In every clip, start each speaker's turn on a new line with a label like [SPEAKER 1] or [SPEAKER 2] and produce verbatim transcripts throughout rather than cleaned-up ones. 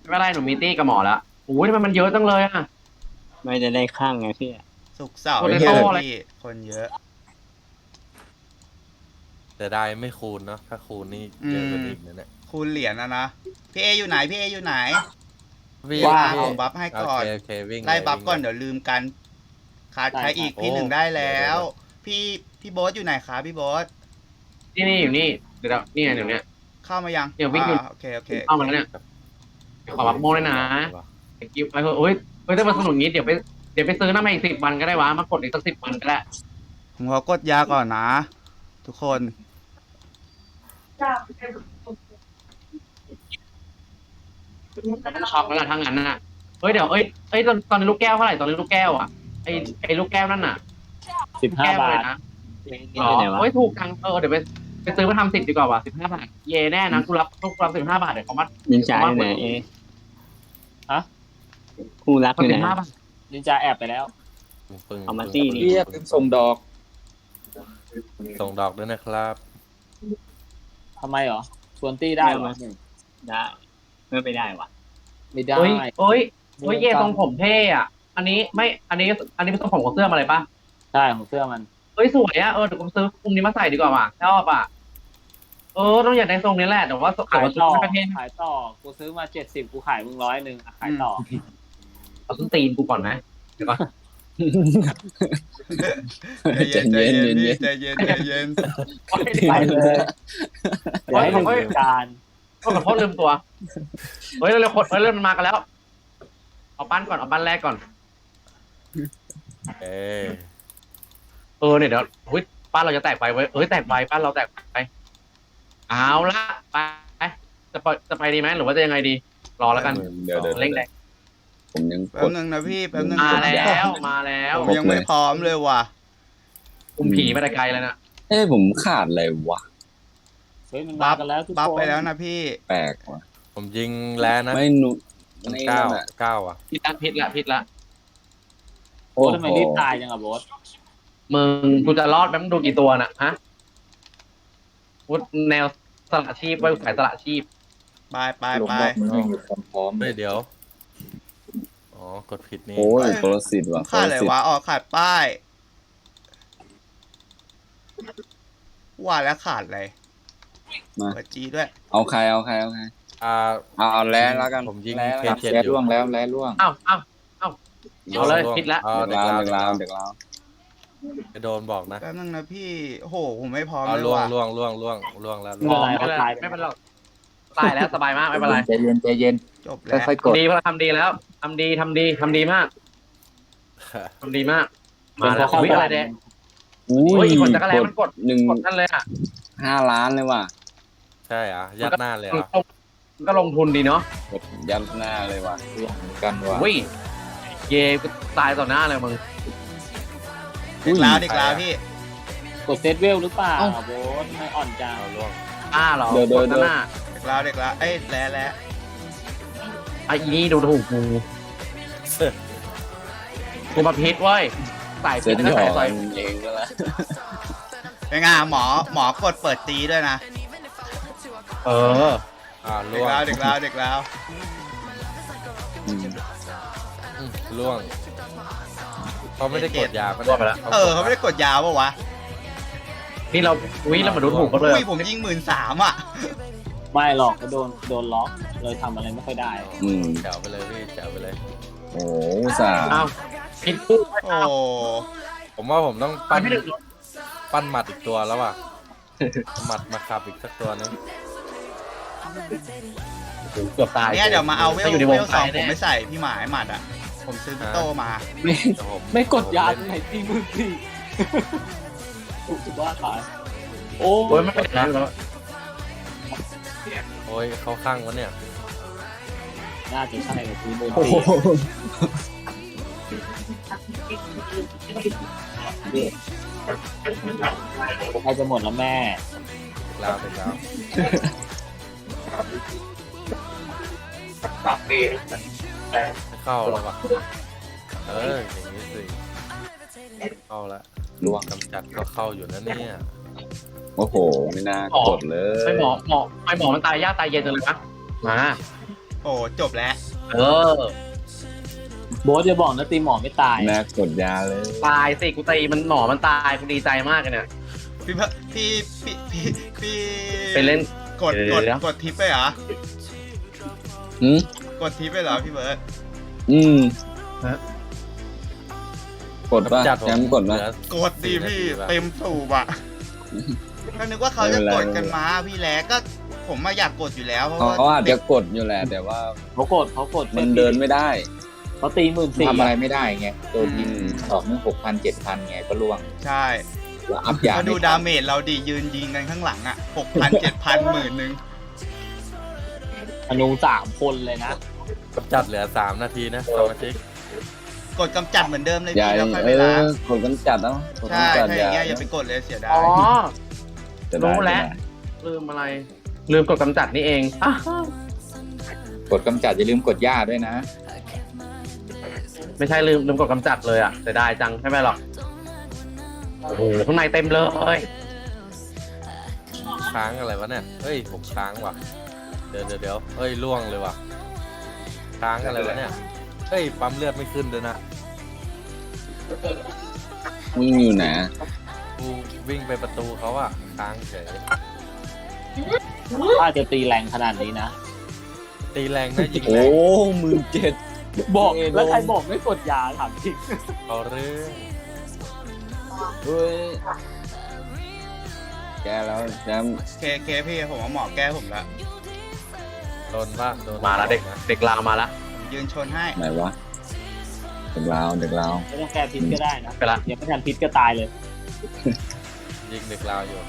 [SPEAKER 1] ไม่เป็นไรหนูมีตี้กับหมอแล้วโอ้ยทำไมมันเยอะจังเลยอ่ะ
[SPEAKER 2] ไม่จะได้ข้างไงพี่
[SPEAKER 3] สุกร์เสาร์
[SPEAKER 1] โปเต
[SPEAKER 3] เย
[SPEAKER 1] โต้
[SPEAKER 3] อะ
[SPEAKER 1] อะไร
[SPEAKER 3] พี่คนเยอะ
[SPEAKER 4] แต่ได้ไม่คูณเนาะถ้าคูณนี่เยอะกว่านี้อีกนะเนี่ย
[SPEAKER 3] คูณเหรียญนะนะพี่เออยู่ไหนพี่เออยู่ไหน
[SPEAKER 4] วิ่ง
[SPEAKER 3] ว่า
[SPEAKER 4] พี่
[SPEAKER 3] ผมบัฟให้ก่อน
[SPEAKER 4] โอเคโอเควิ่ง
[SPEAKER 3] ไล่
[SPEAKER 4] เลย
[SPEAKER 3] บัฟ
[SPEAKER 4] วิ่ง
[SPEAKER 3] ก่อน
[SPEAKER 4] เลย
[SPEAKER 3] เดี๋ยวลืมกันขาดใครอีก
[SPEAKER 4] โอ้
[SPEAKER 3] พี่หนึ่งได้แล้
[SPEAKER 4] เดี๋ยว ว
[SPEAKER 3] พี่พี่โบ๊ทอยู่ไหนคะพี่โบ๊ท
[SPEAKER 1] นี่นี่อยู่นี่เดี๋ยวนี่เดี๋ยวเนี้ย
[SPEAKER 3] เข้ามายัง
[SPEAKER 1] เดี๋ยววิ่งอยู่
[SPEAKER 3] าโอเคโอเค
[SPEAKER 1] เข้ามาแล้วเนี่ยขอบักโม่ด้วยนะไอ้กิ๊บไปเถอะโอ้ยเฮ้ยถ้ามันสนุกงี้เดี๋ยวไปเดี๋ยวไปซื้อน้ำมาอีกสิบวันก็ได้วะมากดอีกสักสิบวันก็ได้
[SPEAKER 3] ผมขอกดยาก่อนนะ ทุกคน
[SPEAKER 1] ช็อกแล้วล่ะทั้งนั้นน่ะเฮ้ยเดี๋ยวเอ้ยเอ้ยตอนตอนนี้ลูกแก้วเท่าไหร่ตอนนี้ลูกแก้วอ่ะไอ้ไอ้ลูกแก้วนั่นน่ะ
[SPEAKER 2] สิบห้า
[SPEAKER 1] แก้ว
[SPEAKER 2] บา
[SPEAKER 1] เล
[SPEAKER 2] ท
[SPEAKER 1] ยนะ
[SPEAKER 2] นี่
[SPEAKER 1] อ๋อ
[SPEAKER 2] ไปไหนวะ
[SPEAKER 1] เฮ้ยถูกจังเออเดี๋ยวไปไปซื้อมาทำสิบดีกว่าว่ะสิบห้าบาทเย่แน่นะกูรับกูรับสิบห้าบาทเดี๋ยวเขามา
[SPEAKER 2] นินจาอยู่ไหนเอ
[SPEAKER 5] ฮะ
[SPEAKER 2] คู่รักอยู่
[SPEAKER 1] สิ
[SPEAKER 2] ไหน
[SPEAKER 1] บห้าบาท
[SPEAKER 5] นินจาแอบไปแล้ว
[SPEAKER 4] ปึ้ง
[SPEAKER 2] เอามาตี้นี่
[SPEAKER 6] เรียกส่งดอก
[SPEAKER 4] ส่งดอกด้วยนะครับ
[SPEAKER 5] ทำไมเหรอชวนตี้ได้เหรอ
[SPEAKER 2] ได้ไม่ไปได้วะ
[SPEAKER 5] ไม่ได้
[SPEAKER 1] เฮ้ยเฮ้ยเฮ้ยเย่ทรงผมเท่อะอันนี้ไม่อันนี้อันนี้เป็นทรงผมของเสื้อมาเลยปะ
[SPEAKER 5] ใช่ของเสื้อมัน
[SPEAKER 1] เฮ้ยสวยอะเออเดี๋ยวกูซื้อคุมนี้มาใส่ดีกว่าว่ะชอบอะเออต้องอยากได้ทรงนี้แหละแต่ว่าแต่
[SPEAKER 5] ขาย
[SPEAKER 1] ว่า
[SPEAKER 5] ต่อ
[SPEAKER 1] ไม่ประเทศ
[SPEAKER 5] ขายต่อกูซื้อมาเจ็ดสิบกูขายมึงร้อยหนึ่งอ่ะขายต่อ
[SPEAKER 1] เอาส้นตีนกูก่อนนะเดี๋ยวก่อน
[SPEAKER 3] ใจเย็นใจเย็นพี่ใจเย็นใจเย็น
[SPEAKER 5] ไปเลยเดี๋ยวให้มึงจัดการ
[SPEAKER 1] โทษขอโทษลืมตัวเฮ้ยเร็วๆคนเฮ้ยเริ่มมันมากันแล้วเอาปั้นก่อนเอาปั้นแรกก่อน
[SPEAKER 4] เอ้ย
[SPEAKER 1] เออเนี่ยเดี๋ยวเฮ้ยปั้นเราจะแตกไปเว้ยเอ้ยแตกไปปั้นเราแตกไปเอาละไปจะไปจะไปดีไหมหรือว่าจะยังไงดี รอแล้วกัน
[SPEAKER 6] เดี๋ยวเดี๋ยว
[SPEAKER 1] เร่งแรง
[SPEAKER 6] ผมยังก
[SPEAKER 3] แป๊บ
[SPEAKER 6] ด
[SPEAKER 3] นึงนะพี่แป๊บนึง
[SPEAKER 1] มาแล้วมาแล้ว
[SPEAKER 3] ผมยังไม่พร้อมเลยว่ะ
[SPEAKER 1] คุมผีมาแต่ไกลแล้วนะ
[SPEAKER 6] เอ้ยผมขาดอะไรวะ
[SPEAKER 5] เฮ้ยมัน
[SPEAKER 3] บั
[SPEAKER 5] มา
[SPEAKER 3] ฟ
[SPEAKER 5] กันแล้วทุก
[SPEAKER 3] บัฟ
[SPEAKER 5] คน
[SPEAKER 3] ไปแล้วนะพี่
[SPEAKER 6] แปลกวะ
[SPEAKER 4] ผมยิงแล้วนะ
[SPEAKER 6] ไม่หนุ
[SPEAKER 4] มัน
[SPEAKER 6] ไม่
[SPEAKER 4] เก้า
[SPEAKER 6] นั่นอะ
[SPEAKER 4] เก้าอ่ะ
[SPEAKER 1] พิษละพิษละพิษละ
[SPEAKER 5] โอ้ทำไมรีบตายจังอะโบส
[SPEAKER 1] มึงกูจะรอดแป๊บมึงดูกี่ตัวน่ะฮะวุฒแนวสละชีพไว้สายสละชีพ
[SPEAKER 3] ไปไป
[SPEAKER 6] ลง
[SPEAKER 3] ไป
[SPEAKER 6] รอบมันไม่มีความพร้อมเล
[SPEAKER 4] เฮ้ย
[SPEAKER 6] ย
[SPEAKER 4] เดี๋ยวอ๋อกดผิดนี่
[SPEAKER 6] โอ้ยโปรสิตว่ะ
[SPEAKER 3] ขาดอะไรวะอ๋อขาดป้ายว่าแล้วขาดอะไร
[SPEAKER 6] มา
[SPEAKER 3] เปิดจีด้วย
[SPEAKER 6] เอาใครเอาใครเอาใคร
[SPEAKER 4] อ่า
[SPEAKER 6] เอาเอาแล้วแล้วกัน
[SPEAKER 4] ผมยิง
[SPEAKER 6] แล้ว
[SPEAKER 4] เคเจ็ด
[SPEAKER 6] แล้ว
[SPEAKER 4] อยู่
[SPEAKER 6] ล่วงแล้วแล้วล่วง
[SPEAKER 1] อ้าวอ้าวอ้าวเอาเลยพิษละ
[SPEAKER 4] เอา
[SPEAKER 6] เด็
[SPEAKER 4] เด็
[SPEAKER 6] ก
[SPEAKER 4] ก
[SPEAKER 6] ลา
[SPEAKER 4] ลาว ว
[SPEAKER 6] เด็กลาวเด็กลาว
[SPEAKER 4] จะโดนบอกนะ
[SPEAKER 3] แป๊บนึงนะพี่โอ้โหผมไม่พร้อม
[SPEAKER 4] เอา
[SPEAKER 3] เลย
[SPEAKER 4] ล่วง
[SPEAKER 3] ว่ะ
[SPEAKER 4] ล่วงล่วงล่วงล่วงแล้ว
[SPEAKER 5] ไม่เป็นไร
[SPEAKER 1] ไม่
[SPEAKER 5] เขา
[SPEAKER 1] เป็นไร
[SPEAKER 5] ตาย
[SPEAKER 1] ไม่เป็นไรตายแล้วสบายมากไม่เป็นไร
[SPEAKER 6] ใจเย็นใจเย็น
[SPEAKER 3] จบแล้ว
[SPEAKER 6] ค่อยๆกด
[SPEAKER 1] ดีเพราะเราทำดีแล้วทำดีทำดีทำดีมากทำดีมาก มาแล้ว
[SPEAKER 5] เข้า
[SPEAKER 1] วิ่งอะไร
[SPEAKER 5] บ้าน
[SPEAKER 1] แดง
[SPEAKER 6] อุ้
[SPEAKER 1] เฮ้ย
[SPEAKER 6] ย
[SPEAKER 1] อีกคนจักรแลมันกด
[SPEAKER 6] หนึ่ง
[SPEAKER 1] กดนั่นเลยอ่ะ
[SPEAKER 6] ห้าล้านเลยว่ะ
[SPEAKER 4] ใช่เหรอ่ะยัดหน้าเลยเหร
[SPEAKER 1] มัน
[SPEAKER 4] อ่ะ
[SPEAKER 1] ก็มันก็ลงทุนดีเนาะ
[SPEAKER 6] กดยันหน้าเลยว่ะเหมือนกันว่ะ
[SPEAKER 1] วิ่งเย่กูตายต่อหน้าเลยมึง
[SPEAKER 3] เด็กลาวเด็กลาวพี่
[SPEAKER 5] กดเซตเวลหรือเปล่าโบสไม่อ่อนจัง
[SPEAKER 4] เอาล่วง
[SPEAKER 1] อ้าเหรอกดหน้า
[SPEAKER 3] เด็กลาวเด็กลาวเอ้ยแล้วแล้ว
[SPEAKER 1] ไอ้อีนี่ดูถูกกูกูมาพิษเว้ยใส่
[SPEAKER 6] เซ็
[SPEAKER 1] พิ
[SPEAKER 6] ต
[SPEAKER 1] ษนะ
[SPEAKER 6] หยอ
[SPEAKER 1] ใส่
[SPEAKER 6] ก
[SPEAKER 1] ใส่
[SPEAKER 6] เองก็แล้ว
[SPEAKER 3] เป็นไงหมอหมอกดเปิดตีด้วยนะ
[SPEAKER 1] เออ
[SPEAKER 4] อ่า
[SPEAKER 3] เด็
[SPEAKER 4] ล่
[SPEAKER 3] ก
[SPEAKER 4] วง
[SPEAKER 3] ลาวเด็กลาวเด็กลาว
[SPEAKER 6] อืม
[SPEAKER 4] อืมล่วงเขาไม่ได้กดยาก็
[SPEAKER 1] ล่วงไปแล้ว
[SPEAKER 3] เออเขาไม่ได้กดยาวปะวะ
[SPEAKER 1] นี่เราวิเรามาดูถูกเขาเลย
[SPEAKER 3] อุ้ยผมยิงหมื่นสามอ่ะ
[SPEAKER 5] ไม่หรอกก็โดนโดนล็อกเลยทำอะไรไม่ค่อยได้
[SPEAKER 6] อืม
[SPEAKER 4] แจ๋วไปเลยพี่แจ๋วไปเลย
[SPEAKER 6] โอ้โหอุตสาห์
[SPEAKER 1] อ้าวพิษปุ๊บ
[SPEAKER 3] โอ้
[SPEAKER 4] ผมว่าผมต้อง
[SPEAKER 1] ปั
[SPEAKER 4] ปั้
[SPEAKER 1] น
[SPEAKER 4] น
[SPEAKER 1] ไม่ถึง
[SPEAKER 4] ปั้นหมัดอีกตัวแล้วอ่ะเอาหมัดมาขับอีกสักตัวนึง
[SPEAKER 1] เกือบตาย
[SPEAKER 3] เนี่ยเดี๋ยวมาเอาเวล
[SPEAKER 1] ถ้อยู่ในว
[SPEAKER 3] เว
[SPEAKER 1] ง
[SPEAKER 3] ลสอง
[SPEAKER 1] ตาย
[SPEAKER 3] ผม
[SPEAKER 1] แน่
[SPEAKER 3] ไม่ใส่พี่หมายหมัดอ่ะ ผมซื้อพี่โตมา
[SPEAKER 5] ไม่
[SPEAKER 4] แต่ผม
[SPEAKER 5] ไม่กดยา
[SPEAKER 4] ผม
[SPEAKER 5] ตรง
[SPEAKER 4] เล่น
[SPEAKER 5] ไหนตีมือสี่ถูกว่าตายโอ้
[SPEAKER 1] โอ้ยไม่เป็นไรแล้ว
[SPEAKER 4] โอ้ยเขาข้างวะเนี่ย
[SPEAKER 5] น่าจะใช่เลยตีมือ
[SPEAKER 6] โอ้
[SPEAKER 5] สี่
[SPEAKER 6] โห
[SPEAKER 5] ใครจะหมดแล้วแม่
[SPEAKER 4] ลาวเป็นลาวไม่เข้าแล้วว่ะเอออย่างนี้สิเข้าแล้ว
[SPEAKER 6] ล่วง
[SPEAKER 4] กำจัดก็เข้าอยู่นะเนี่ย
[SPEAKER 6] โอ้โหไม่น่ากดเลย
[SPEAKER 1] ไม่หมอหมอไม่หมอมันตายยากตายเย็นจังเลยนะมา
[SPEAKER 3] โอ้จบแล้ว
[SPEAKER 1] เออ
[SPEAKER 5] โบ๊ทจะบอกนะตีหมอไม่ตาย
[SPEAKER 6] แม่กดยาเลย
[SPEAKER 1] ตายสิกูตีมันหนอมันตายกูดีใจมากเลยเนี่ย
[SPEAKER 3] พี่เบิร์ดพี่พี่พี่พี่
[SPEAKER 1] ไปเล่น
[SPEAKER 3] กด
[SPEAKER 1] เดี๋
[SPEAKER 3] ก
[SPEAKER 1] ยว
[SPEAKER 3] ด
[SPEAKER 1] เดี๋ยว
[SPEAKER 3] กดทิปไปเหรอ
[SPEAKER 6] อืม
[SPEAKER 3] กดทิปไปเหรอพี่เบิร์ด
[SPEAKER 6] อืม
[SPEAKER 1] ฮะ
[SPEAKER 6] กดป่ะ
[SPEAKER 4] จัดผม
[SPEAKER 6] แชมป์กดป่ะ
[SPEAKER 4] เหลือก
[SPEAKER 3] ดดีพี่
[SPEAKER 4] สี่นาที
[SPEAKER 3] เต็มสูบอ่ะก็นึกว่าเขาจะกดกันมาพี่แล้ก็ผมมาอยากกดอยู่แล้วเพราะ
[SPEAKER 6] เขา
[SPEAKER 3] ว่า
[SPEAKER 6] เขาอาจจะกดอยู่แหละ แต่ว่า
[SPEAKER 5] เขากดเขากด
[SPEAKER 6] มันเดินไม่ได้
[SPEAKER 5] เขาตีหมื่นสี่
[SPEAKER 7] ทำอะไรไม่ได้ไงตัวทีมออกนี่หกพันเจ็ดพันไงก็ล่วง
[SPEAKER 3] ใช่
[SPEAKER 7] แล้วอัพยา
[SPEAKER 3] ก็ดู
[SPEAKER 7] ไม่
[SPEAKER 3] ดา
[SPEAKER 7] ทัน
[SPEAKER 3] เมจเราดียืนยิงกันข้างหลังอ่ะหกพันเจ็ดพันหมื่นหนึ่ง
[SPEAKER 5] อนุสามคนเลยนะ
[SPEAKER 4] กำจัดเหลือสามนาทีนะสมาชิก
[SPEAKER 3] กดกำจัดเหมือนเดิมเลย
[SPEAKER 6] อย่า
[SPEAKER 3] พี่แล้วค่อย
[SPEAKER 6] เอ
[SPEAKER 3] ไปล้าง
[SPEAKER 6] อกดกันจัดเนาะกดกัน
[SPEAKER 3] ใช่
[SPEAKER 6] จัด
[SPEAKER 3] ถ้าอย่างเงี้ยอย่าไปกดเลยเสียดาย
[SPEAKER 1] อ๋อ
[SPEAKER 6] จะได้
[SPEAKER 1] รู้แล้ว ลืมอะไร ลืมกดกำจัดนี่เองอ่ะ
[SPEAKER 7] กดกำจัดอย่าลืมกดย่าด้วยนะ
[SPEAKER 1] ไม่ใช่ลืมลืมกดกำจัดเลยอ่ะเสียดายจังไม่เป็นไรหรอกโอ้โหข้างในเต็มเลย
[SPEAKER 4] ค้างอะไรวะเนี่ยเฮ้ยผมค้างว่ะเดี๋ยวเดี๋ยวเดี๋ยวเฮ้ยล่วงเลยว่ะค้างอะไรวะเนี่ยเฮ้ยปั๊มเลือดไม่ขึ้นเลยนะ
[SPEAKER 6] มึงอยู่ไหน
[SPEAKER 4] กูวิ่งไปประตูเขาอะค้างเฉย
[SPEAKER 5] ถ้าจะตีแรงขนาดนี้นะ
[SPEAKER 4] ตีแรงนะยิงแร
[SPEAKER 6] โอ้
[SPEAKER 4] ง
[SPEAKER 6] หมื่นเจ็ด
[SPEAKER 5] บอกแล้วใครบอกไม่กดยาถามจริง
[SPEAKER 4] เอาเรื่อง
[SPEAKER 6] เฮ้ยแกแล้วแชมป์
[SPEAKER 3] เคเคพี่ผมว่าหมอแก้ผมละ
[SPEAKER 4] โดนบ้างโดน
[SPEAKER 1] มาแล้วเด็กเด็กลาวมาแล้ว
[SPEAKER 3] ยืนชนให้
[SPEAKER 6] ไหนวะเด็กลาวเด็กลาว
[SPEAKER 5] ไม่ต้องแก้พิษก็ได้นะ
[SPEAKER 1] ไปละ
[SPEAKER 5] ยังไม่ทันพิษก็ตายเลย
[SPEAKER 4] ยิงเด็กลาวอยู่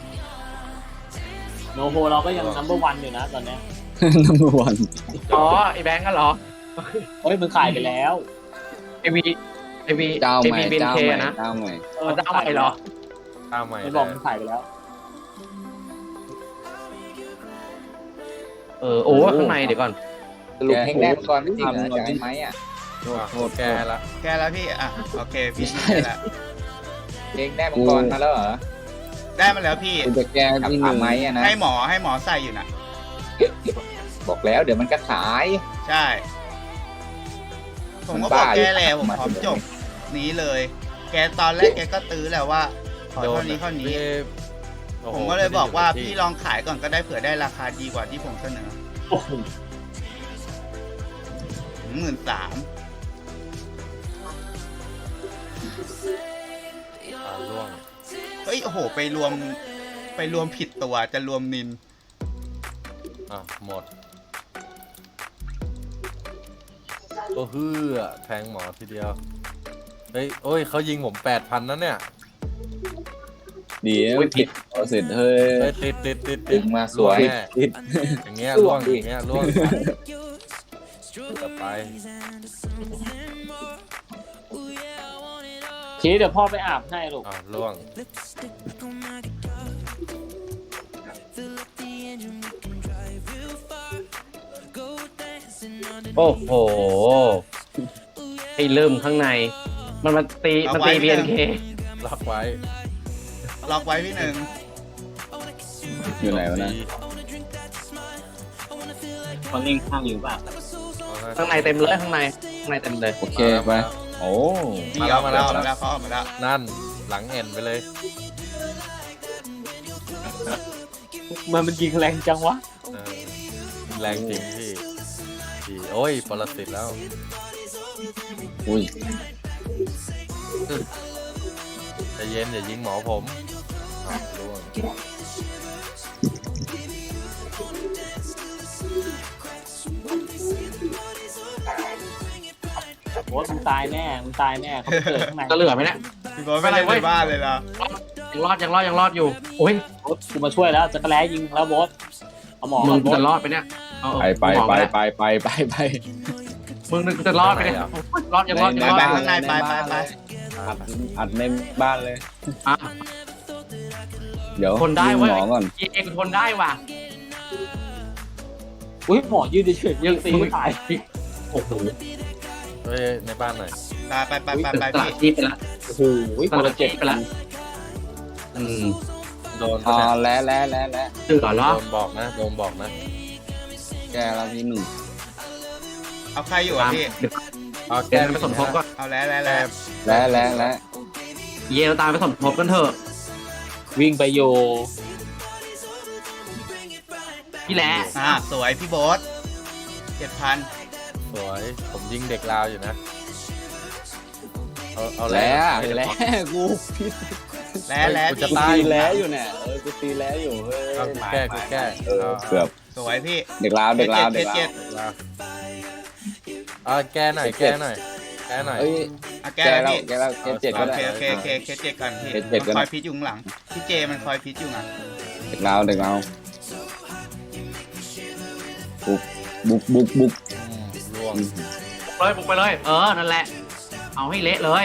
[SPEAKER 5] โนโฮเราก็ยังนัมเบอร์วันอยู่นะตอนเนี้ย
[SPEAKER 6] นัมเบอร์วัน
[SPEAKER 1] อ๋อไอแบงก์กันเหรอ
[SPEAKER 5] เฮ้ยมึงขายไปแล้ว
[SPEAKER 1] ไอวีไอวี
[SPEAKER 6] เจ้า
[SPEAKER 1] ไอ
[SPEAKER 6] ใหม่
[SPEAKER 1] วีเบน
[SPEAKER 6] เจ้า
[SPEAKER 1] เค
[SPEAKER 6] ใหม่
[SPEAKER 1] นะ
[SPEAKER 6] เจ้าใหม่
[SPEAKER 5] เออ
[SPEAKER 1] เจ้าใหม่เหรอ
[SPEAKER 4] ข้าวใหม่
[SPEAKER 5] ไม่
[SPEAKER 4] เล
[SPEAKER 5] บอก
[SPEAKER 4] ย
[SPEAKER 5] มึงขายไปแล้ว
[SPEAKER 1] เออโอ้ข้างในเดี๋ยวก่อน
[SPEAKER 7] สรุปเพลงแรกก่อนไม่จริงเหรอจากไอ้ไม้อะ
[SPEAKER 6] โทษ
[SPEAKER 4] อ่ะ
[SPEAKER 6] โทษ
[SPEAKER 4] แกละ
[SPEAKER 3] แก้แล้วพี่อ่ะโอเคพี่
[SPEAKER 6] ไม่ใช่
[SPEAKER 3] แก้แล้ว
[SPEAKER 7] เพลงแรกมังกรมาแล้วเหรอ
[SPEAKER 3] ได้มาแล้วพี่
[SPEAKER 6] กูจะแก้
[SPEAKER 7] กับ
[SPEAKER 6] ที่ห
[SPEAKER 7] อา
[SPEAKER 6] นึ่ง
[SPEAKER 7] ไม้อะนะ
[SPEAKER 3] ให้หมอให้หมอใส่อยู่นะ
[SPEAKER 7] บอกแล้วเดี๋ยวมันก็ขาย
[SPEAKER 3] ใช่ ผมก็
[SPEAKER 7] มัน
[SPEAKER 3] บอ
[SPEAKER 7] บ้าก อยู่
[SPEAKER 3] แก้แล้วผมพร้อมจบนี้เลย แกตอนแรกแกก็ตื้อแหละว่าขอเท่านี้เท่านี้
[SPEAKER 4] โอ้โห
[SPEAKER 3] ผมก็เลยบอกว่า
[SPEAKER 4] ไม่ได้
[SPEAKER 3] พี่
[SPEAKER 4] ยู่
[SPEAKER 3] ลองขายก่อนก็ได้เผื่อได้ราคาดีกว่าที่ผมเสนอ
[SPEAKER 5] โอ้โห
[SPEAKER 3] หมื่นสาม
[SPEAKER 4] ที่อ่าล่วง
[SPEAKER 3] เฮ้ยโอ้โห ไปรวมไปรวมผิดตัวจะรวมนิน
[SPEAKER 4] อ่ะหมดโอ้ฮือแทงหมอทีเดียวเฮ้ยโอ้ยเขายิงผมแปดพันนั่นเนี่ย
[SPEAKER 6] เดี๋ยวผิดเอาเสร็จเฮ้ย
[SPEAKER 4] เฮ้ยติดติดติดติ
[SPEAKER 7] ดึ
[SPEAKER 4] ด
[SPEAKER 7] งมาสวย
[SPEAKER 4] ล่งแน่
[SPEAKER 6] ผิด
[SPEAKER 4] อย่างเงี้ย
[SPEAKER 7] ล่
[SPEAKER 4] ล่ว
[SPEAKER 7] ว
[SPEAKER 4] ง
[SPEAKER 7] งดิ
[SPEAKER 4] อย่างเงี้ยล่วงต่อไป
[SPEAKER 5] ชี้เดี๋ยวพ่อไปอาบให้ลูก
[SPEAKER 4] อ่าล่วง
[SPEAKER 1] โอ้โหไอ้ลืมข้างใน มันมาตีมันตี
[SPEAKER 3] เอาไว้
[SPEAKER 1] บีเอ็นเค
[SPEAKER 4] ล็อกไว้
[SPEAKER 3] ล็อกไว้พี่หนึ่ง
[SPEAKER 6] อยู่ไหนวะนะ
[SPEAKER 2] เขาเล่นข้างอยู่ป่ะ
[SPEAKER 1] ข้างในเต็มเลยข้างในข้างในเต็มเลย
[SPEAKER 6] โอเคไปโอ้
[SPEAKER 3] ดีออกมาแล้วออกมาแล้วเขาออกมาแล้ว
[SPEAKER 4] นั่นหลังเอ็นไปเลย
[SPEAKER 5] มันมันยิงแรงจังวะ
[SPEAKER 4] เออแรงจริงพี่พี่โอ้ยปรสิตแล้ว
[SPEAKER 6] อุ้ย
[SPEAKER 4] ใจเย็นอย่ายิงหมอผมอ่ะล่วง
[SPEAKER 5] โบ๊ทมึงตายแน่มึงตายแน่เขาไปเกิดข้างใน
[SPEAKER 1] จะเหลือไหมเนี่ย
[SPEAKER 3] พี่บอสไม่ได้ในบ้านเลยนะ
[SPEAKER 1] ยังรอดยังรอดยังรอดอยู่โอ้ย
[SPEAKER 5] โบ๊ทกูมาช่วยแล้วจะกระแลยิงแล้วโบ๊ทเอาหมอ
[SPEAKER 1] มึ
[SPEAKER 5] ก่อง นโบ๊ท
[SPEAKER 1] จะรอดไปเนี่ยเอาเอา
[SPEAKER 6] ไปไป
[SPEAKER 1] หมอ
[SPEAKER 6] ไป
[SPEAKER 1] มา
[SPEAKER 6] ไปไปไปไป
[SPEAKER 1] มึงนึกจะรอดไปเนี่ยรอดยังรอดยังรอด
[SPEAKER 3] ไปข้างในไปไปไป
[SPEAKER 6] อัดอัดในบ้านเลย
[SPEAKER 1] อ่ะ
[SPEAKER 6] เดี๋ยว
[SPEAKER 1] ทนได้เว้ย
[SPEAKER 6] หมอก่อน
[SPEAKER 1] เองทนได้ว่ะ
[SPEAKER 5] อุ้ยหมอยืนเฉยๆยังตีไม่ตาย
[SPEAKER 1] โอ้โห
[SPEAKER 4] เฮ้ยในบ้านหน่อย
[SPEAKER 3] ไปไปไปไป
[SPEAKER 1] ต
[SPEAKER 3] ไป
[SPEAKER 1] ลาด
[SPEAKER 3] พี่
[SPEAKER 1] ชีพไปละ
[SPEAKER 5] โอ้โห
[SPEAKER 1] ตลาดชีพไปละอืม
[SPEAKER 4] โดน
[SPEAKER 6] อ๋
[SPEAKER 4] ปะ
[SPEAKER 6] อ
[SPEAKER 4] เนี่ย
[SPEAKER 6] แล้วแล้วแล้วแล้ว
[SPEAKER 1] เสือเหรอ
[SPEAKER 4] โดนบอกนะโดนบอกนะ
[SPEAKER 6] แกแล้วที่หนึ่ง
[SPEAKER 3] เอาใครอยู่อ่ะพี่
[SPEAKER 1] เดี๋ยว
[SPEAKER 4] เอา
[SPEAKER 1] เดี๋
[SPEAKER 4] แก้
[SPEAKER 1] ยวไปสมทบก่อน
[SPEAKER 3] เอาแล้วแล้วแล้ว
[SPEAKER 6] และและและ
[SPEAKER 1] เยลตามไปสมทบกันเถอะ
[SPEAKER 7] วิ่งไปอยู่
[SPEAKER 1] พี่แหละ
[SPEAKER 3] อ่าสวยพี่โบ๊ทเจ็ดพัน
[SPEAKER 4] สวยผมยิงเด็กลาวอยู่นะเอาเอา
[SPEAKER 6] และ
[SPEAKER 4] ไม่ได้
[SPEAKER 6] และ
[SPEAKER 4] บอก
[SPEAKER 6] กูผิด
[SPEAKER 3] แล้วแล้ว
[SPEAKER 4] กูจะ
[SPEAKER 3] พี่
[SPEAKER 6] กู
[SPEAKER 4] ตาย
[SPEAKER 6] ตีแล้วอยู่เนี่ยเออกูตีแล้วอยู่เฮ้ย
[SPEAKER 4] เอากูแก้กูแก้
[SPEAKER 6] เออเกือบ
[SPEAKER 3] สวยพี่
[SPEAKER 6] เด็กลาวเด็กลาว
[SPEAKER 3] เค
[SPEAKER 6] เด็ก
[SPEAKER 3] ส
[SPEAKER 6] ลา
[SPEAKER 3] เจ็
[SPEAKER 6] ว
[SPEAKER 3] ด
[SPEAKER 4] เด็กลาวเอาแก้หน่อยแก้หน่อยแก้หน่อย
[SPEAKER 6] เอ้ย
[SPEAKER 3] อ่ะ
[SPEAKER 6] แก
[SPEAKER 3] แก้แล้ว
[SPEAKER 6] แล้ว
[SPEAKER 3] พี่
[SPEAKER 6] แกแล้วเกมเจ็ด
[SPEAKER 3] โอ
[SPEAKER 6] ก็ได้
[SPEAKER 3] เคโอเคโอเคเคสเจ็ดก่อนพี่
[SPEAKER 6] เคสเจ็ดก็
[SPEAKER 3] มัน
[SPEAKER 6] ได้
[SPEAKER 3] คอยพิษอยู่ข้างหลังพี่เจมันคอยพิษอยู่ไง
[SPEAKER 6] เด็กลาวเด็กลาวบุกบุกบุกบุก
[SPEAKER 4] อืมล่วง
[SPEAKER 1] เลยบุกไปเลย เออ นั่นแหละ เอาให้เละเลย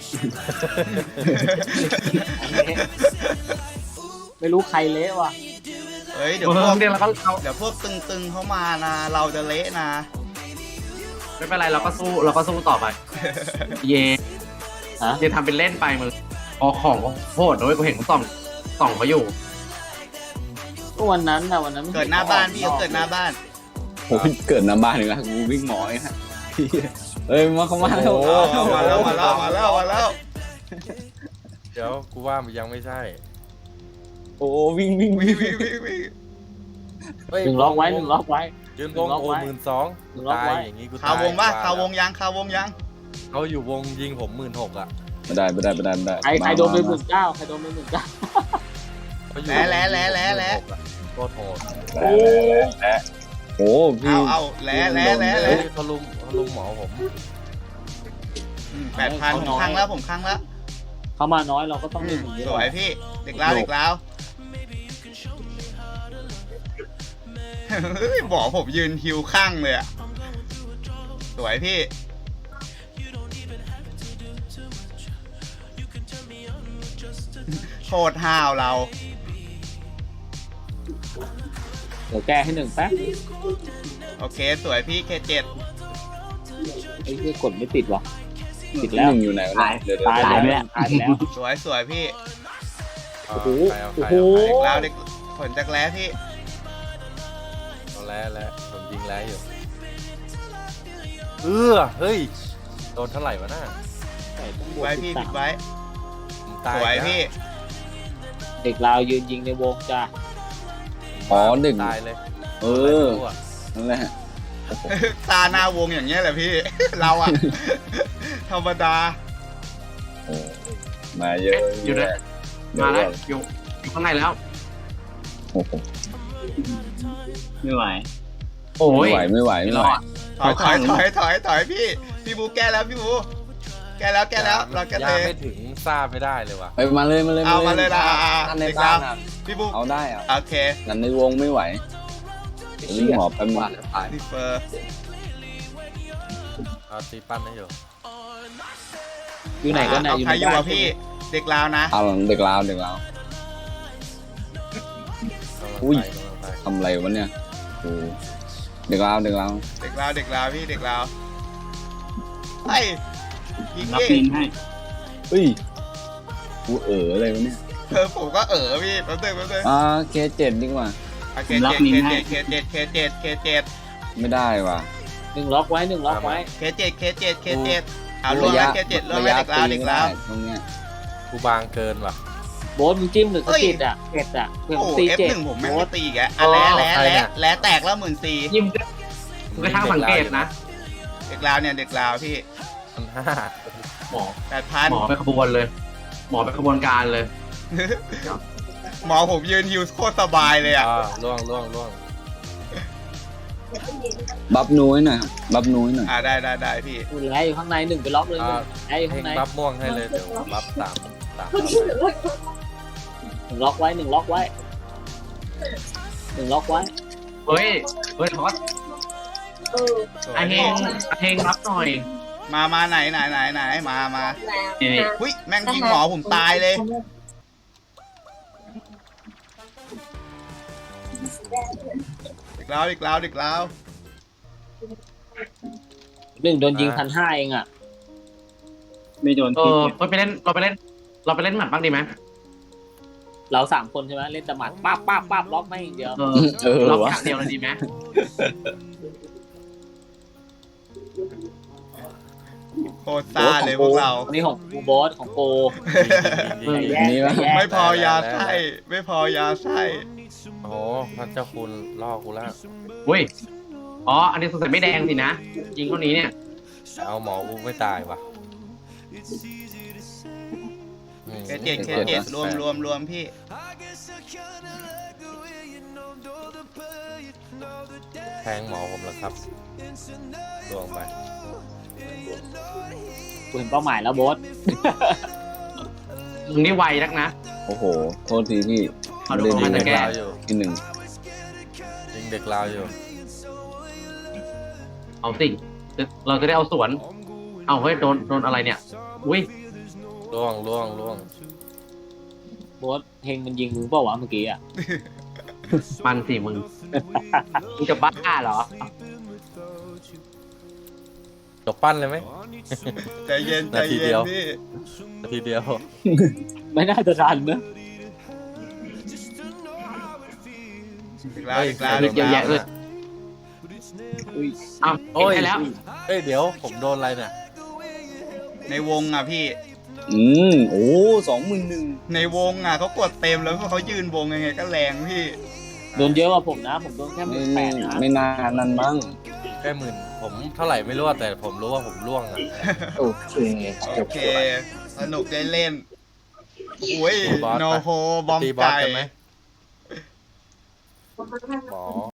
[SPEAKER 5] ไม่รู้ใครเละว่ะ
[SPEAKER 3] เฮ้ยเดี๋ยว
[SPEAKER 1] เมื
[SPEAKER 3] พ
[SPEAKER 1] อ
[SPEAKER 3] ว
[SPEAKER 1] ง
[SPEAKER 3] ก
[SPEAKER 1] เดียวแล้วก็เรา
[SPEAKER 3] เดี๋ยวพวกตึงๆเขามานะ เราจะเละนะ
[SPEAKER 1] ไม่เป็นไรเราก็สู้เราก็สู้ต่อไป เย
[SPEAKER 5] ฮะ
[SPEAKER 1] เยทำเป็นเล่นไปมึงพอของโคตรด้วยกูเห็นเขาส่องส่องเขาอยู่
[SPEAKER 5] ก็วันนั้นนะวันนั้น
[SPEAKER 3] เกิดหน้าบ้านพี่เขาเกิดหน้าบ้าน
[SPEAKER 6] ผมเกิดน้ำบ้านหนึ่งนะกูวิ่งหมอไอ้ฮะเอ้ยมาเข้ามาแล้ว
[SPEAKER 3] โอ้มาแล้วมาแล้วมาแล้วมาแล้ว
[SPEAKER 4] เดี๋ยวกูว่ามันยังไม่ใช่
[SPEAKER 6] โอ้วิ่งวิ่ง
[SPEAKER 3] วิ่
[SPEAKER 6] วิ่
[SPEAKER 3] ง
[SPEAKER 6] ง
[SPEAKER 3] วิ่งวิ่งวิ่ง
[SPEAKER 4] เฮ้ย
[SPEAKER 5] หนึ่งล็อกไว้หนึ่งล็อกไว้
[SPEAKER 4] ยืนวง
[SPEAKER 5] หนึ่งล็อก
[SPEAKER 4] โอ
[SPEAKER 5] ไว้
[SPEAKER 4] หมื่นสอง
[SPEAKER 5] หนึ่งล็อก
[SPEAKER 4] ตาย
[SPEAKER 5] ไว้
[SPEAKER 4] อย่างงี้กู
[SPEAKER 3] ข่าววงป่ะ
[SPEAKER 4] ตย
[SPEAKER 3] ข่าววงยังข่าววงยัง
[SPEAKER 4] เขาอยู่วงยิงผมหมื่นหกอ่ะ
[SPEAKER 6] ไม่ได้ไม่ได้ไม่ได้ไม่ได้
[SPEAKER 5] ใครใครโดนไปหมื่นเก้าใครโดนไปหมื่นเก้า
[SPEAKER 4] เขาอยู่
[SPEAKER 3] แล้วแล้วแล้วแล้วแล้ว
[SPEAKER 4] โคตรโหด
[SPEAKER 6] โอ้โอ้พี่
[SPEAKER 3] เอาเอาแล้วแล้วแล้วแล้
[SPEAKER 4] เฮ้
[SPEAKER 3] วย
[SPEAKER 4] เขาลุมเขาลุมหมอผม
[SPEAKER 3] แปดพันผมครั้งแล้วผมครั้งแล้ว
[SPEAKER 5] เขามาน้อยเราก็ต้อง
[SPEAKER 3] อื
[SPEAKER 5] เล่น
[SPEAKER 3] ม
[SPEAKER 5] อย่างนี้
[SPEAKER 3] สวยพี่เด็กลาวเด็กลาวเฮ้ยบอกผมยืนฮิวข้างเลยอะสวยพี่ โคตรห้าวเรา
[SPEAKER 5] เดี๋ยวแก้ให้หนึ่งแป๊บ
[SPEAKER 3] โอเคสวยพี่เคเจ็ด
[SPEAKER 5] ไอ้ที่กดไม่ติดว่ะติด
[SPEAKER 6] แล้
[SPEAKER 5] แล้ว ว
[SPEAKER 6] อยู่ไหนวะเนี่ยเดี๋ยวเดี๋ยว
[SPEAKER 5] ตาย
[SPEAKER 6] เดี๋ยว
[SPEAKER 5] แล้วตายแล้ว
[SPEAKER 3] สวยสวยพี่
[SPEAKER 4] เอา
[SPEAKER 5] โอ้โห
[SPEAKER 4] ใครเอาใคร
[SPEAKER 5] โอ้
[SPEAKER 4] เอา
[SPEAKER 5] โห
[SPEAKER 3] เด็กลาวเด็กผลจากแร้พี่
[SPEAKER 4] เอาแล้วแล้วผมยิงแล้วอยู่เออเฮ้ยโดนเท่าไหร่วะน่า
[SPEAKER 5] ใส่ต้องบวก
[SPEAKER 3] ไว้
[SPEAKER 5] สิ
[SPEAKER 3] พี่
[SPEAKER 5] บ
[SPEAKER 3] ปิ
[SPEAKER 5] สา
[SPEAKER 3] ด
[SPEAKER 5] ม
[SPEAKER 3] ไว้
[SPEAKER 4] ผมตาย
[SPEAKER 3] สวย
[SPEAKER 4] แล้ว
[SPEAKER 3] พี่
[SPEAKER 5] เด็กลาวยืนยิงในวงจ้า
[SPEAKER 6] อ๋อหนึ่ง
[SPEAKER 4] ตายเลย
[SPEAKER 6] เออนั่นแหละ
[SPEAKER 3] ตาหน้าวงอย่างเงี้ยแหละพี่ เราอะธรรมดา
[SPEAKER 6] โอ้มาเยอะ
[SPEAKER 1] อยู่นะมาแล้วอยู่อยู่ข้างในแล้ว
[SPEAKER 6] โอ้โห
[SPEAKER 2] ไม่ไหว
[SPEAKER 1] โอ้
[SPEAKER 6] ไม่
[SPEAKER 1] ย
[SPEAKER 6] ไหวไม่ไหว
[SPEAKER 1] ไม่
[SPEAKER 6] ไม่
[SPEAKER 1] ร
[SPEAKER 6] ไหว
[SPEAKER 1] อด
[SPEAKER 3] ถอยถอยถอยถอยถอยพี่พี่บูแก้แล้วพี่บูแก้แล้วแก้แล้วเราแก้
[SPEAKER 4] ยา
[SPEAKER 3] เลย
[SPEAKER 4] ไม่ถึงทราบไม่ได้เลยว่ะ
[SPEAKER 6] ไปมาเลยมาเลย
[SPEAKER 3] เอามาเลยนะ
[SPEAKER 6] นั่นใน
[SPEAKER 3] เด็ก
[SPEAKER 6] บ้า
[SPEAKER 3] ลาวน
[SPEAKER 6] อะ
[SPEAKER 3] พี่บู
[SPEAKER 6] เอาได้อะ
[SPEAKER 3] โอเค
[SPEAKER 6] นั่นในวงไม่ไหววิ่งหมอบไปหมด
[SPEAKER 3] ดิเฟอร์
[SPEAKER 4] เอาตีปั้นให้อยู่
[SPEAKER 5] อยู่ไหนก็ไหน
[SPEAKER 3] เอา
[SPEAKER 5] อยู่
[SPEAKER 3] ใคร
[SPEAKER 5] ใน
[SPEAKER 3] อยู่
[SPEAKER 5] บ้าน
[SPEAKER 3] อะพี่เด็กลาวนะ
[SPEAKER 6] เอาเด็กลาวเด็กลาว
[SPEAKER 4] กำลัง
[SPEAKER 6] อุ้ย
[SPEAKER 4] ไปกำลังไป
[SPEAKER 6] ทำอะไรวะเนี่ยโอ้เด็กลาวเด็กลาว
[SPEAKER 3] เด็กลาวเด็กลาวพี่เด็กลาวไอ้ยิง
[SPEAKER 2] รับ
[SPEAKER 3] ดิ
[SPEAKER 2] มินให้
[SPEAKER 6] เฮ้ยกูเอ๋ออะไรวะเนี่ย
[SPEAKER 3] เออผมก็เออพี่แป๊บนึงแป๊บนึง
[SPEAKER 6] อ่าเคเจ็ดดีกว่า
[SPEAKER 3] โอเคเจ็ดเคเจ็ดเคเจ็ดเคเจ็ดเคเจ็ด
[SPEAKER 6] ไม่ได้ว่ะ
[SPEAKER 5] หนึ่งล็อกไว้หนึ่งล็อกไว้
[SPEAKER 3] เคเจ็ดเคเจ็ดเคเจ็ดเอาลงแล้วเคเจ็ดลง
[SPEAKER 6] ระ
[SPEAKER 3] แล้ว
[SPEAKER 6] ยะ
[SPEAKER 3] เด็กลาว
[SPEAKER 6] ตี
[SPEAKER 3] เด็ก
[SPEAKER 6] ไม่
[SPEAKER 3] ลา
[SPEAKER 6] ได้
[SPEAKER 3] ว
[SPEAKER 6] ตรงเนี้ย
[SPEAKER 4] กูบางเกินว่ะ
[SPEAKER 5] โบ๊ทมึงจิ้มหรือสะกิดอ่ะเจ็ดอ่ะเพื่อน
[SPEAKER 3] โอ้
[SPEAKER 5] ตี
[SPEAKER 3] เอฟ
[SPEAKER 5] เจ็ด
[SPEAKER 3] หนึ่งผมไม่
[SPEAKER 5] โบ๊
[SPEAKER 3] ไม่
[SPEAKER 5] ท
[SPEAKER 3] ตีอีกอะอ่ะแล้วแล้วแล้วแล้วแตกแล้วหมื่นสี่
[SPEAKER 1] ยิ้มมึงก็ช่างสังเกตนะ
[SPEAKER 3] เด็กลาวเนี่ยเด็กลาวพี่
[SPEAKER 4] พันห้า
[SPEAKER 1] หมอ
[SPEAKER 3] แปดพัน
[SPEAKER 1] หมอไปขบวนเลย หมอไปขบวนการเลย
[SPEAKER 3] หมอผมยืนฮิวโคตรสบายเลยอ่ะ
[SPEAKER 4] อ่าล่วงล่วงล่วง
[SPEAKER 6] บัฟนุ้ยหน่อยครับบัฟนุ้ยหน่อย
[SPEAKER 3] อ่าได้ได้ได้พี่
[SPEAKER 5] คุณแล้อยู่ข้างในหนึ่งไปล็อกเลยหนึ่งแล้อยู่
[SPEAKER 4] เพล
[SPEAKER 5] ข้าง งใน
[SPEAKER 4] บัฟม่วงให้เลยเดี๋ยวบัฟสามสาม
[SPEAKER 5] หนึ่งล็อกไว้หนึ่งล็อกไว้หนึ่งล็อกไว้
[SPEAKER 1] เฮ้ย เฮ้ยทอส
[SPEAKER 3] สว
[SPEAKER 1] ไอย เฮ
[SPEAKER 3] พี่
[SPEAKER 1] งไอเฮงรับหน่อย
[SPEAKER 3] มามาไหนไหนไหนไหนมามา
[SPEAKER 1] นี่
[SPEAKER 3] หุ้ยแม่งยิงหมอผมตายเลยเด็กลาวเด็กลาวเด็กลาว
[SPEAKER 5] หนึ่งโดนยิงพันห้าเองอ่ะ
[SPEAKER 2] ไม่โดน
[SPEAKER 1] เอ
[SPEAKER 2] พิษ
[SPEAKER 1] อ
[SPEAKER 2] เนี่ย
[SPEAKER 1] เราไปเล่น เราไปเล่น เราไปเล่นหมัดบ้างดีไหม
[SPEAKER 5] เราสามคนใช่ไหมเล่นแต่หมัดป้าบป้าบป้าบล็อกไม่อย่างเดียว
[SPEAKER 1] เออ
[SPEAKER 6] เออ
[SPEAKER 1] เรา
[SPEAKER 6] วะ
[SPEAKER 1] ฉากเดียวเลยดีไหม
[SPEAKER 3] โคตรซ่าเลยพวกเรา
[SPEAKER 5] อันนี้ของกูบอสของโก
[SPEAKER 4] ยิงยิงยิง
[SPEAKER 5] แยก
[SPEAKER 6] นี่วะ
[SPEAKER 5] แยก
[SPEAKER 3] ไม่พอยาไส้ไม่พอยาไส้
[SPEAKER 4] โอ้โหพระเจ้าคุณล่อกูแล้ว
[SPEAKER 1] อุ้ยอ๋ออันนี้สงสัยไม่แดงสินะยิงเท่านี้เนี่ย
[SPEAKER 4] เอาหมอกูไม่ตายว่ะอืม
[SPEAKER 3] เคเจ็ดเคเจ็ดรวมรวมรวมพี่
[SPEAKER 4] แทงหมอผมแล้วครับลวงไป
[SPEAKER 5] กูเห็นเป้าหมายแล้วบอส
[SPEAKER 1] มึงนี่ไวนักนะ
[SPEAKER 6] โอ้โห โทษทีพี่
[SPEAKER 1] เอาดู
[SPEAKER 6] ไม่
[SPEAKER 1] มั
[SPEAKER 6] ได้
[SPEAKER 1] น
[SPEAKER 6] ยิ
[SPEAKER 1] จะ
[SPEAKER 6] ง
[SPEAKER 1] แก้
[SPEAKER 4] ลาวอยู่
[SPEAKER 6] ที่หนึ่ง
[SPEAKER 4] ยิงเด็กลาวอยู่
[SPEAKER 1] เอาสิเราจะได้เอาสวน เอาเฮ้ยโดนโดนอะไรเนี่ยอุ้ย
[SPEAKER 4] ล่วงล่วงล่วง
[SPEAKER 5] บอสเฮงมันยิงมึงเปล่าวะเมื่อกี้อ่ะ
[SPEAKER 1] มันสิมึงมึงจะบ้าเหรอ
[SPEAKER 4] จบปั้นเลยไหม
[SPEAKER 3] ใจเย็นใจ
[SPEAKER 4] นาที
[SPEAKER 3] เย็
[SPEAKER 4] เดี
[SPEAKER 3] น
[SPEAKER 4] ยว
[SPEAKER 3] พี่
[SPEAKER 4] นาทีเดียว
[SPEAKER 5] ไม่น่าจะทันนะ
[SPEAKER 3] อีกแล้วอีกแล้ว
[SPEAKER 1] เฮ้ย
[SPEAKER 3] อีก
[SPEAKER 1] เยอะ
[SPEAKER 3] แล้
[SPEAKER 1] แยะ
[SPEAKER 3] ว
[SPEAKER 1] เลย
[SPEAKER 5] อุ้ย
[SPEAKER 1] เอา
[SPEAKER 4] โอ้ย
[SPEAKER 1] เห็นได้แล้ว
[SPEAKER 4] เอ้ยเดี๋ยวผมโดนอะไรเนี่ย
[SPEAKER 3] ในวงอ่ะพี่
[SPEAKER 6] อืมโอ้สองหมื่นหนึ่ง
[SPEAKER 3] ในวงอ่ะเขากดเต็มแล้วเขายืนวงยังไงก็แรงพี่
[SPEAKER 5] โดนเยอะกว่าผมนะ ผมโดนแค่ห
[SPEAKER 6] ไม่
[SPEAKER 5] มื่นแปดนะ
[SPEAKER 6] ไม่นานนั่นมั้ง
[SPEAKER 4] แค่หมื่นผมเท่าไหร่ไม่รู้อะแต่ผมรู้ว่าผมล่วงอ่ะ
[SPEAKER 7] โอเคจ
[SPEAKER 3] โอบ เค สนุกได้เล่นอุ้ย
[SPEAKER 4] บอส
[SPEAKER 3] โน
[SPEAKER 4] ไป
[SPEAKER 3] โฮบอม
[SPEAKER 4] ตีบอส
[SPEAKER 3] ไก่
[SPEAKER 4] กันไหมหมอ